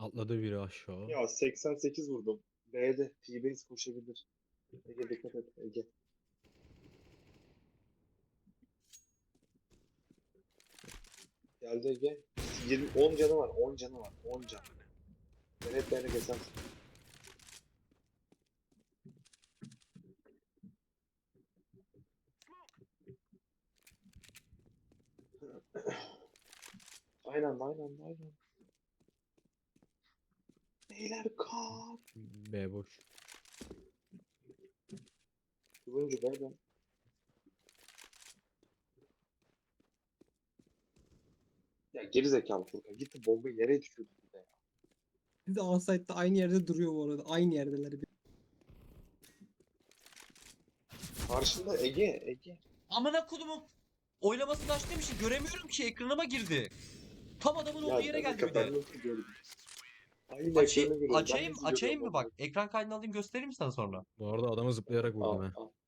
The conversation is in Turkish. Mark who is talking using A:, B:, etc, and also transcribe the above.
A: Atladı biri aşağı.
B: Ya 88 vurdum. B'de T-Base koşabilir. Ege dikkat et Ege. Geldi Ege. 10 canı var. 10 canı var. 10 can. Ben hep böyle kesersin. Aynen. Beyler kal.
A: B boş.
B: Turuncu B'den. Ya geri zekalı Furkan. Gitti bombayı nereye düşürdü bir de ya.
C: Bir de onsite'da aynı yerde duruyor bu arada. Aynı yerdeler.
B: Karşında Ege.
D: Amına kodumun oylamasını açtığım için göremiyorum ki ekranıma girdi. Tam adamın olduğu
B: Ya
D: yere
B: ben de
D: geldi bir de.
B: ben nasıl gördüm? Aynı ekranı
D: Açayım,
B: görüyorum. Ben
D: açayım,
B: nasıl
D: açayım
B: görüyorum
D: mı
B: onu?
D: bak? Ekran kaydını alayım göstereyim mi sana sonra?
A: Bu arada adamı zıplayarak vurdum
B: Al
A: he.
B: al.